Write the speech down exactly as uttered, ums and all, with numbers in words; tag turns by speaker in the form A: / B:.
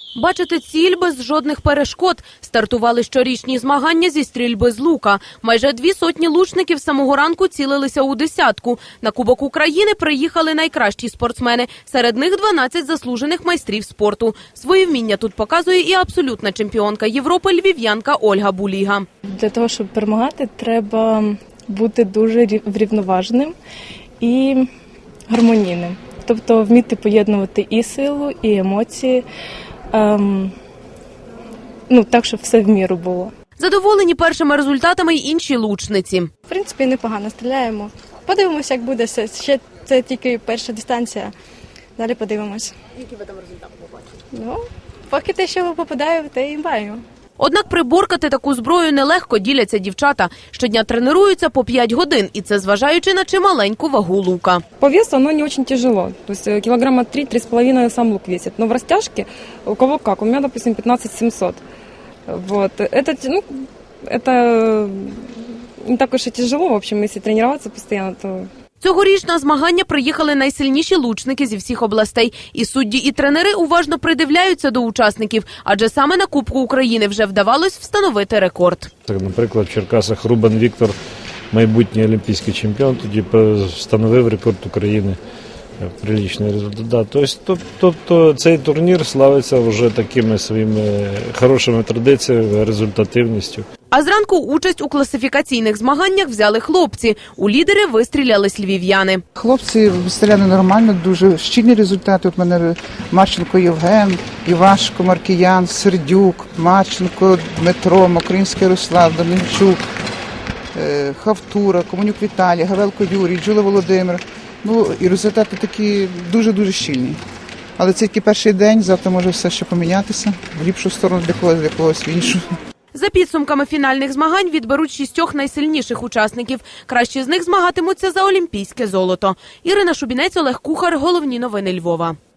A: Бачити ціль без жодних перешкод. Стартували щорічні змагання зі стрільби з лука. Майже дві сотні лучників з самого ранку цілилися у десятку. На Кубок України приїхали найкращі спортсмени. Серед них дванадцять заслужених майстрів спорту. Свої вміння тут показує і абсолютна чемпіонка Європи львів'янка Ольга Буліга.
B: Для того, щоб перемагати, треба бути дуже врівноваженим і гармонійним. Тобто вміти поєднувати і силу, і емоції, ем, ну, так, щоб все в міру було.
A: Задоволені першими результатами й інші лучниці.
C: В принципі, непогано стріляємо. Подивимося, як буде. Ще це тільки перша дистанція. Далі подивимось.
A: Які ви там результати побачили?
C: Ну, поки те, що попадаю, те і маємо.
A: Однак приборкати таку зброю нелегко, діляться дівчата. Щодня тренуються по п'ять годин, і це зважаючи на чималеньку вагу лука.
D: По весу оно не очень тяжело, то есть килограмма три — три с половиной сам лук весит. Но в растяжке у кого как, у меня, допустим, пятнадцать семьсот. Вот. Это, ну, это не так уж и тяжело, в общем, если тренироваться постоянно, то...
A: Цьогоріч на змагання приїхали найсильніші лучники зі всіх областей. І судді, і тренери уважно придивляються до учасників, адже саме на Кубку України вже вдавалось встановити рекорд.
E: Наприклад, в Черкасах Рубан Віктор, майбутній олімпійський чемпіон, тоді встановив рекорд України. Приличний результат. Тобто, тобто цей турнір славиться вже такими своїми хорошими традиціями, результативністю.
A: А зранку участь у класифікаційних змаганнях взяли хлопці. У лідери вистрілялись львів'яни.
F: Хлопці стріляли нормально, дуже щільні результати. От мене Марченко Євген, Івашко Маркіян, Сердюк, Марченко Дмитро, Мокринський Ярослав, Домінчук, Хавтура, Комунюк Віталій, Гавелко Юрій, Джула Володимир. Ну, і результати такі дуже-дуже щільні. Але це тільки перший день, завтра може все ще помінятися. В ліпшу сторону для когось, для когось в іншу.
A: За підсумками фінальних змагань відберуть шістьох найсильніших учасників. Кращі з них змагатимуться за олімпійське золото. Ірина Шубінець, Олег Кухар. Головні новини Львова.